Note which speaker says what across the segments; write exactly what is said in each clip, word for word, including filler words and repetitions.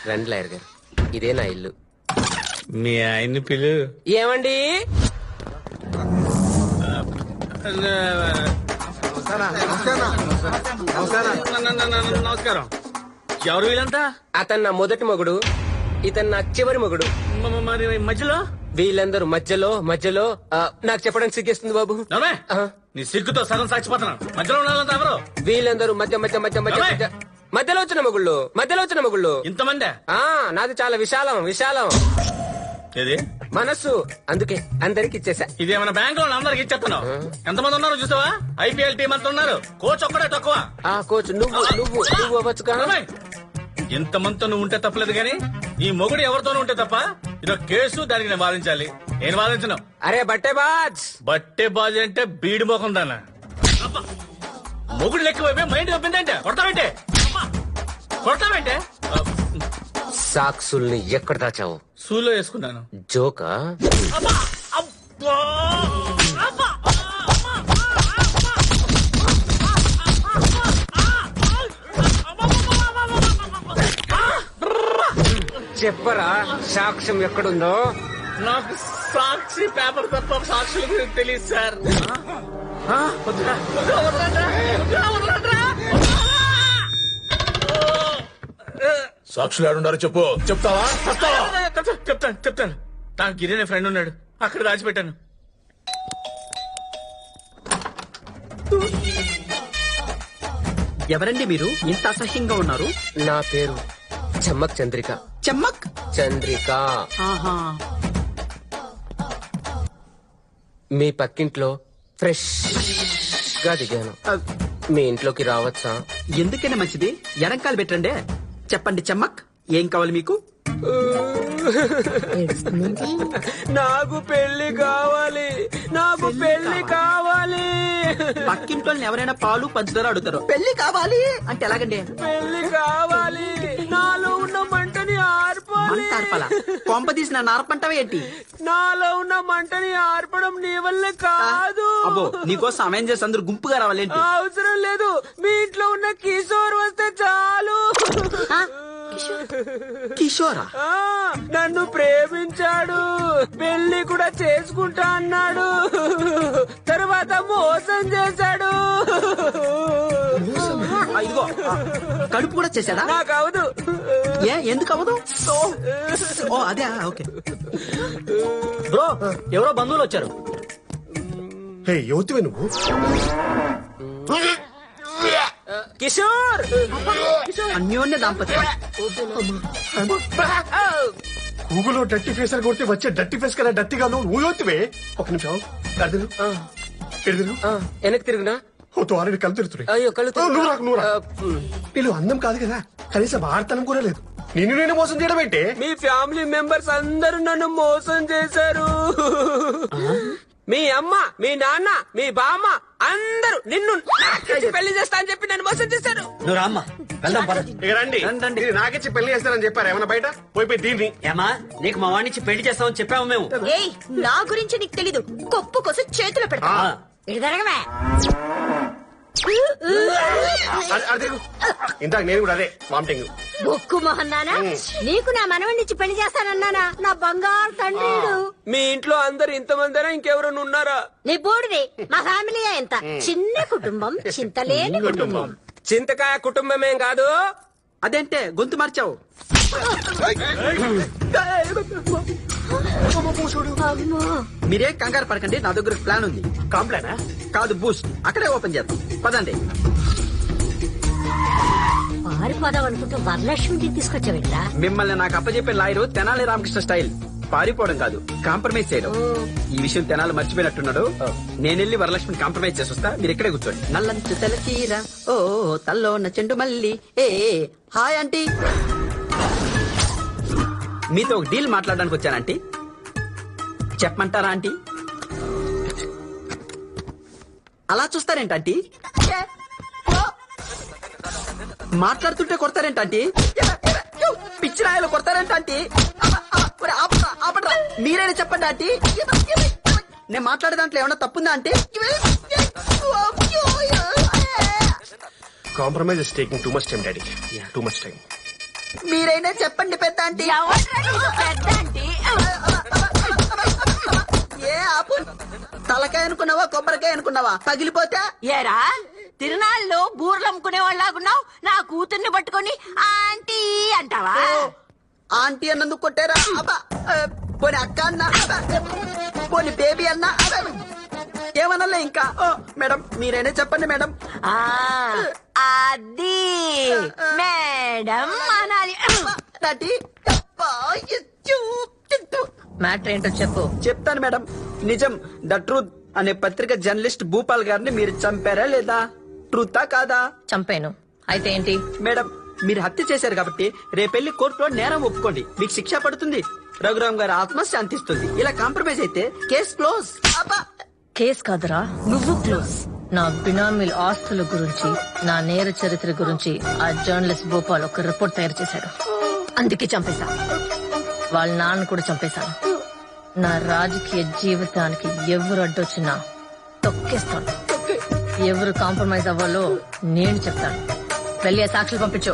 Speaker 1: రండి లాయర్ గారు, ఇదే నా ఇల్లు.
Speaker 2: మీ ఆయన్ని పిలు.
Speaker 1: ఏమండి?
Speaker 2: నమస్కారం. ఎవరు వీళ్ళంతా?
Speaker 1: అతను నా మొదటి మొగుడు, ఇతను నా చివరి మొగుడు.
Speaker 2: మ- మరి మధ్యలో
Speaker 1: వీళ్ళందరూ మధ్యలో మధ్యలో ఆ, నాకు చెప్పడానికి సిగ్గేస్తుంది బాబు.
Speaker 2: నవ్వే.
Speaker 1: ఆ,
Speaker 2: నీ సిగ్గుతో సగం సాక్షిపోతున్నాను. మధ్యలో ఉన్న ఎవరు?
Speaker 1: వీళ్ళందరూ మధ్య మధ్య మధ్య మధ్య
Speaker 2: నవ్వే.
Speaker 1: మధ్య మధ్యలో వచ్చిన మొగుళ్ళు, మధ్యలో వచ్చిన మొగుళ్ళు.
Speaker 2: ఇంతమంది?
Speaker 1: ఆ నాది చాలా విశాలం విశాలం
Speaker 2: ఏది
Speaker 1: మనస్సు, అందుకే అందరికి ఇచ్చేసా.
Speaker 2: ఇదేమైనా బ్యాంక్ లో అందరికి ఇచ్చేస్తున్నావు? ఎంతమంది ఉన్నారు చూసావా? ఐపీఎల్ టీం అంతా ఉన్నారు. కోచ్ ఒక్కడే తక్కువ.
Speaker 1: ఆ కోచ్ నువ్వు నువ్వు నువ్వు అవ్వచ్చుగా.
Speaker 2: ఇంత మందితో నువ్వు ఉంటే తప్పలేదు గాని ఈ మొగుడు ఎవరితోనూ ఉంటే తప్ప ఇదొక కేసు. దానికి నేను వాదించాలి. నేను వాదించను.
Speaker 1: అరే బట్టే బాజ్.
Speaker 2: బట్టే బాజీ అంటే బీడి మోకం దాన్న. మొగుడు లెక్క వైపే మైండ్ తప్పిందంటే కొడతామంటే కొడతామంటే
Speaker 1: సాక్సుల్ని ఎక్కడ దాచావు?
Speaker 2: సూలో వేసుకున్నాను.
Speaker 1: జోకా?
Speaker 2: అబ్బా! అబ్బా! అబ్బా!
Speaker 1: చెప్పరా సాక్ష్యం ఎక్కడుందో?
Speaker 2: నాకు సాక్షి పేపర్ తప్ప సాక్షుల గురించి తెలియదు సార్. ఆ? వద్దురా, వద్దురా, వదలండ్రా, వద్దురా, వదలండ్రా.
Speaker 3: సాక్షులు ఆడుండారో చెప్పు. చెప్తావా? చెప్తావా?
Speaker 2: చెప్తాను చెప్తాను చెప్తాను. నాకు గిరి అనే ఫ్రెండ్ ఉన్నాడు, అక్కడ దాచిపెట్టాను.
Speaker 4: ఎవరండి మీరు? ఇంత అసహ్యంగా ఉన్నారు.
Speaker 1: నా పేరు చెమ్మక్ చంద్రిక.
Speaker 4: చెమ్మక్
Speaker 1: చంద్రిక.
Speaker 4: ఆహా.
Speaker 1: మీ పక్కింట్లో ఫ్రెష్ గా దిగాను. మీ ఇంట్లోకి రావచ్చా?
Speaker 4: ఎందుకైనా మంచిది, ఎడంకాలు పెట్టండి. చెప్పండి చెమ్మక్, ఏం కావాలి మీకు?
Speaker 1: నాకు పెళ్లి కావాలి, నాకు పెళ్లి కావాలి.
Speaker 4: పక్కింట్లో ఎవరైనా పాలు పంచదార అడుగుతారు, పెళ్లి కావాలి అంటే ఎలాగండి?
Speaker 1: పెళ్లి కావాలి, నాలో ఉన్న మంటని ఆర్పాలి.
Speaker 4: మంటార్పలా కొంప తీసిన నారపంటవే ఏంటి?
Speaker 1: నాలో ఉన్న మంటని ఆర్పడం నీ వల్ల కాదు.
Speaker 4: అబ్బో, నీకోసం సమయం చేసి అందరు గుంపుగా రావాలేంటి?
Speaker 1: అవసరం లేదు, మీ ఇంట్లో ఉన్న కిషోర్ వస్తే చాలు.
Speaker 4: కిషోరా?
Speaker 1: ఆ, నన్ను ప్రేమించాడు, పెళ్లి కూడా చేసుకుంటా అన్నాడు, తర్వాత మోసం చేశాడు.
Speaker 4: ఆ, ఇదిగో ఆ, కడుపు కూడా చేశాడా?
Speaker 1: నాకు అవదు.
Speaker 4: ఏ ఎందుకు అవ్వదు? ఓ అదే, ఓకే. బ్రో, ఎవరో బంధువులు వచ్చారు.
Speaker 3: హే యువతివే నువ్వు?
Speaker 1: కిషోర్,
Speaker 4: అన్యోన్య దాంపత్యం.
Speaker 3: గూగుల్లో డట్టి ఫేస్ అని కొడితే వచ్చే డట్టి ఫేస్ కదా డట్టిగా నువ్వు యువతివే. ఒక నిమిషం ఎడదిరు ఎడదిరు
Speaker 1: వెనక్కి తిరుగునా?
Speaker 3: ఓ తోరని కళ్ళు తిరుగుతున్నాయి.
Speaker 1: అయ్యో కళ్ళు
Speaker 3: ఓ, నువ్వు రాకు నువ్వు రా.
Speaker 1: ఆ, మ్.
Speaker 3: వీళ్ళు అందం కాదు కదా, కనీసం ఆడతనం కూడా లేదు. నిన్ను నేను మోసం చేయడం ఏంటే?
Speaker 1: మీ ఫ్యామిలీ మెంబర్స్ అందరూ నన్ను మోసం చేశారు. మీ అమ్మ, మీ నాన్న, మీ బామ్మ అందరూ నిన్ను నాకిచ్చి పెళ్లి చేస్తా అని చెప్పి నన్ను మోసం చేశారు.
Speaker 4: నువ్వు రామ్మా, వెళ్దాం పద.
Speaker 3: ఇక రండి.
Speaker 4: రండి.
Speaker 3: ఇది నాకిచ్చి పెళ్లి చేస్తారని చెప్పారు ఏమన్నా బయట? పోయి పోయి దీన్ని.
Speaker 4: ఏమా, నీకు మా వాడినిచ్చి పెళ్లి చేస్తామని చెప్పాము మేము.
Speaker 5: ఏయ్, నా గురించి నీకు తెలీదు. కొప్పు కోసం చేతులు పెడతా.
Speaker 4: ఆ.
Speaker 5: ఇది జరగవే.
Speaker 3: అది- అది తిరుగు. ఇందాక నేను కూడా అదే వామిటింగ్.
Speaker 5: బొక్కు మొహన్నానా, నీకు నా మనవణ్ణిచ్చి పెళ్లి చేస్తానన్నానా? నా బంగారు తండ్రి.
Speaker 1: మీ ఇంట్లో అందరు ఇంతమందినా ఇంకెవరైనా ఉన్నారా?
Speaker 5: నీ బోడిది. మా ఫ్యామిలీ ఎంత చిన్న కుటుంబం, చింతలేని కుటుంబం.
Speaker 1: చింతకాయ కుటుంబమేం కాదు.
Speaker 4: అదేంటే గొంతు మార్చావు?
Speaker 5: అమ్మో.
Speaker 4: మీరే కంగారు పడకండి, నా దగ్గర ప్లాన్ ఉంది.
Speaker 3: కాంప్లైనా?
Speaker 4: కాదు, బూస్ట్. అక్కడే ఓపెన్ చేద్దాం, పదండి.
Speaker 5: పారిపోదాం అనుకుంటూ వరలక్ష్మిని తీసుకొచ్చావిట్లా.
Speaker 4: మిమ్మల్ని నాకు అప్పచెప్పే లాయరు తెనాలి రామకృష్ణ స్టైల్. పారిపోవడం కాదు, కాంప్రమైజ్ చేయడం. ఈ విషయం తెనాలి మర్చిపోయినట్టున్నాడు. నేనెళ్ళి వరలక్ష్మిని కాంప్రమైజ్ చేసొస్తా, మీరు ఇక్కడే కూర్చోండి. నల్లంచు తెలచీర ఓ తల్లోన చెండు మల్లి. ఏ హాయ్ ఆంటీ, మీతో ఒక డీల్ మాట్లాడడానికి వచ్చానంటీ. చెప్పమంటారా ఆంటీ? అలా చూస్తారేంటంటీ? మాట్లాడుతుంటే కొడతారేంటంటీ? పిచ్చి రాయలు కొడతారేంటంటీ? మీరైనా చెప్పండి ఆంటీ. నేను మాట్లాడే దాంట్లో ఏమన్నా తప్పుందా aunty?
Speaker 3: Compromise is taking too much time daddy, too much time.
Speaker 4: మీరైనా చెప్పండి పెద్ద ఆంటీ.
Speaker 5: ఎవడ్రా నీకు పెద్ద ఆంటీ?
Speaker 4: ఏ ఆపు. తలకాయ అనుకున్నావా కొబ్బరికాయ అనుకున్నావా పగిలిపోతే?
Speaker 5: ఏరా తిరునాళ్ళు బూర్లు అమ్ముకునే వాళ్ళగున్నావు, నా కూతుర్ని పట్టుకొని ఆంటీ అంటావా?
Speaker 4: ఆంటీ అన్నందుకు కొట్టారా? అబ్బా ఆ, పోనీ అక్క అన్నా, అబ్బా, పోనీ బేబీ అన్నా, అబ్బా, ఏమనలే ఇంకా. ఓ, మేడం మీరైనా చెప్పండి మేడం.
Speaker 5: ఆ, అది మేడం అనాలి.
Speaker 4: థర్టీ. అబ్బా, ఇచ్చు, తిట్టు.
Speaker 6: మ్యాటర్ ఏంటో చెప్పు.
Speaker 4: చెప్తాను మేడం. నిజం ద ట్రూత్ అనే పత్రిక జర్నలిస్ట్ భూపాల్ గారిని మీరు చంపారా లేదా? ట్రూతా కాదా?
Speaker 6: చంపాను. అయితే ఏంటి?
Speaker 4: మేడం మీరు హత్య చేశారు కాబట్టి రేపెళ్లి కోర్టులో నేరం ఒప్పుకోండి, మీకు శిక్ష పడుతుంది, రఘురామ్ గారి ఆత్మ శాంతిస్తుంది. ఇలా కాంప్రమైజ్ అయితే కేసు క్లోజ్.
Speaker 6: కేస్ కాదురా, నువ్వు క్లోజ్. నా బినామీల ఆస్తుల గురించి, నా నేర చరిత్ర గురించి ఆ జర్నలిస్ట్ భోపాల్ ఒక రిపోర్ట్ తయారు చేశాడు. అందుకే చంపేశా. వాళ్ళ నాన్న కూడా చంపేశాను. నా రాజకీయ జీవితానికి ఎవరు అడ్డొచ్చినా తొక్కేస్తాను. ఎవరు కాంప్రమైజ్ అవ్వాలో నేను చెప్తాను. వెళ్ళి ఆ సాక్షులు పంపించు.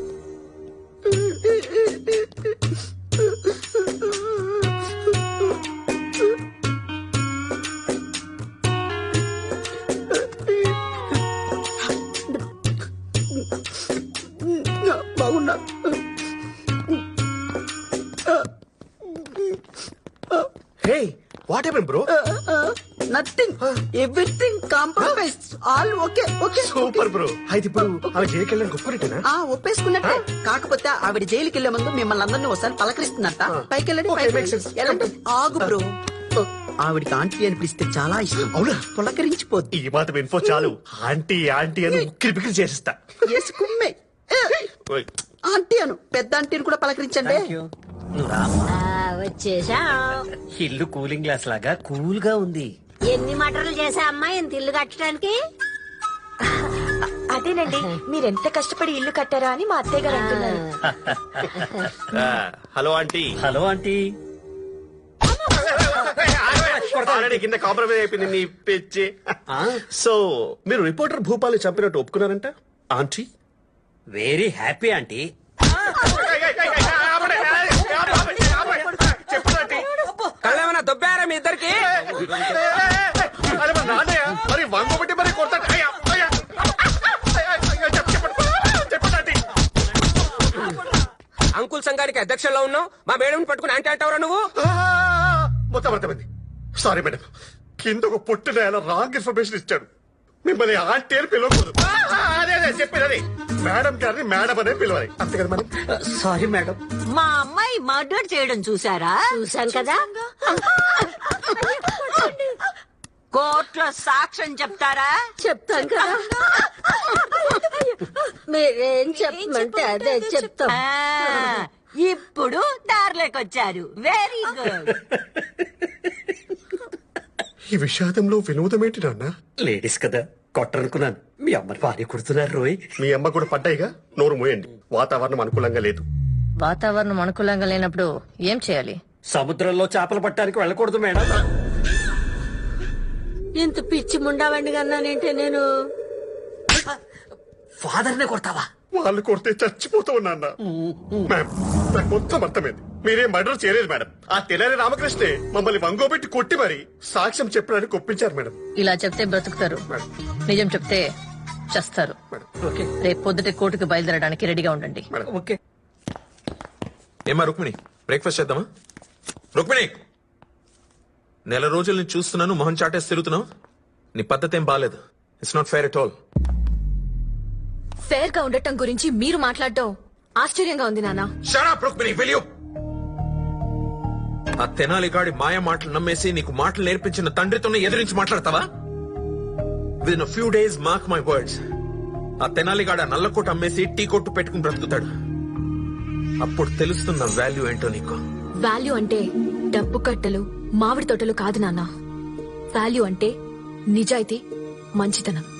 Speaker 4: బాగున్నా.
Speaker 3: Hey what happen bro?
Speaker 4: Nothing, everything compromise, all okay okay.
Speaker 3: Super bro. అయితే ఇప్పుడు ఆమె జైలుకి వెళ్ళడానికి ఒప్పుకున్నట్టేనా?
Speaker 4: ఆ ఒప్పేసుకున్నట్టే. కాకపోతే ఆవిడ జైలుకి వెళ్లే ముందు మిమ్మల్ని అందరినీ ఒకసారి పలకరిస్తున్నట్ట. పైకి వెళ్ళండి,
Speaker 3: Okay,
Speaker 4: పైకి
Speaker 3: makes sense.
Speaker 4: వెళ్ళండి. ఆగు బ్రో. ఆవిడికి ఆంటీ అని పిలిస్తే చాలా ఇష్టం.
Speaker 3: అవునా?
Speaker 4: పులకరించిపోద్ది.
Speaker 3: ఈ మాత్రం ఇన్ఫో చాలు, ఆంటీ ఆంటీ అని ఉక్కిరి బిక్కిరి చేసిస్తా.
Speaker 4: ఎస్ కుమ్మే.
Speaker 3: ఓయ్.
Speaker 4: ఆంటీ అను, పెద్ద ఆంటీని కూడా పలకరించండి.
Speaker 2: నువ్వు రామ్మా.
Speaker 5: ఆ, వచ్చేసా.
Speaker 2: ఇల్లు కూలింగ్ గ్లాస్ లాగా కూల్ గా ఉంది.
Speaker 5: ఎన్ని మటర్లు చేసా అమ్మా ఇంత ఇల్లు కట్టడానికి?
Speaker 7: అదేనండి, మీరెంత కష్టపడి ఇల్లు కట్టారా అని మా అత్తయ్య గారు అంటున్నారు.
Speaker 3: Hello aunty.
Speaker 2: Hello aunty.
Speaker 3: Already కింద కాంప్రమైజ్ అయిపోయింది నీ పిచ్చి. సో మీరు రిపోర్టర్ భూపాల్ని చంపినట్టు ఒప్పుకున్నారంట ఆంటీ?
Speaker 2: Very happy aunty.
Speaker 1: కళ్ళేమన్నా దొబ్బారా మీ ఇద్దరికి?
Speaker 3: మరి వంగబట్టి మరి కొడతాడు. అయ్యా, అయ్యా. అయ్యా, అయ్యా, చెప్పు, చెప్పండి. చెప్పండి ఆంటీ.
Speaker 1: అంకుల్ సంఘానికి అధ్యక్షుల్లో ఉన్నావు, మా మేడం పట్టుకుని అంటే అంటావురా నువ్వు?
Speaker 3: ఆ, మొత్తం అర్థమైంది. సారీ మేడం, కింద ఒక పొట్టిన ఆయన రాంగ్ ఇన్ఫర్మేషన్ ఇచ్చాడు. మిమ్మల్ని ఆంటీ అని పిలవకూడదు. ఆ, అదే అదే చెప్పేది అదే. మేడం గారిని మేడం అనే పిలవాలి, అంతే కదా మేడం?
Speaker 2: Sorry madam.
Speaker 5: మా అమ్మాయి మర్డర్ చేయడం చూసారా? చూసాం కదా. కోర్టులో సాక్ష్యం చెప్తారా? చెప్తాం కదా. మీరేం చెప్పమంటే అదే చెప్తాం. ఇప్పుడు దారిలోకొచ్చారు. Very good.
Speaker 3: ఈ విషాదంలో వినోదం ఏంటి నాన్న?
Speaker 2: లేడీస్ కదా కొట్టనుకున్నాను, మీ అమ్మని భార్య కుడుతున్నారు రోయ్.
Speaker 3: మీ అమ్మ కూడా పడ్డాయిగా, నోరు మూయండి. వాతావరణం అనుకూలంగా లేదు.
Speaker 6: వాతావరణం అనుకూలంగా లేనప్పుడు ఏం చేయాలి?
Speaker 2: సముద్రంలో చేపలు పట్టడానికి వెళ్ళకూడదు మేడం.
Speaker 5: ఇంత పిచ్చి ముండావండి కన్నానంటే నేను.
Speaker 2: ఫాదర్ నే కొడతావా?
Speaker 3: వాళ్ళు కొడితే చచ్చిపోతావు నాన్న. మ్యామ్, నాకు మొత్తం అర్థమైంది. మీరేం మర్డర్ చేయలేదు మేడం. ఆ తెల్లారి రామకృష్ణే మమ్మల్ని వంగోబెట్టి కొట్టి మరి సాక్ష్యం చెప్పడానికి ఒప్పించారు మేడం.
Speaker 6: ఇలా చెప్తే బ్రతుకుతారు, నిజం చెప్తే చస్తారు.
Speaker 2: ఓకే
Speaker 6: రేపు పొద్దుటే కోర్టుకు బయలుదేరడానికి రెడీగా ఉండండి.
Speaker 2: ఓకే.
Speaker 8: ఏమా రుక్మిణి, బ్రేక్ఫాస్ట్ చేద్దామా? రుక్మిణి, నెల రోజుల నుంచి చూస్తున్నాను, మొహం చాటేసి తిరుగుతున్నావు. నీ పద్ధతి ఏం బాలేదు. It's not fair at all.
Speaker 7: Fair గా ఉండటం గురించి మీరు మాట్లాడటం ఆశ్చర్యంగా ఉంది నాన్న.
Speaker 8: Shut up, Rukmini, will you? ఆ తెనాలి గాడి మాయ మాటలు నమ్మేసి నీకు మాటలు నేర్పించిన తండ్రితోనే ఎదిరించి మాట్లాడతావా? Within few days, mark my words, ఆ తెనాలిగాడ నల్లకోట అమ్మేసి టీ కొట్టు పెట్టుకుని బ్రతుకుతాడు. అప్పుడు తెలుస్తున్న వాల్యూ ఏంటో నీకు.
Speaker 7: వాల్యూ అంటే డబ్బు కట్టలు, మామిడి తోటలు కాదు నాన్న. వాల్యూ అంటే నిజాయితీ, మంచితనం.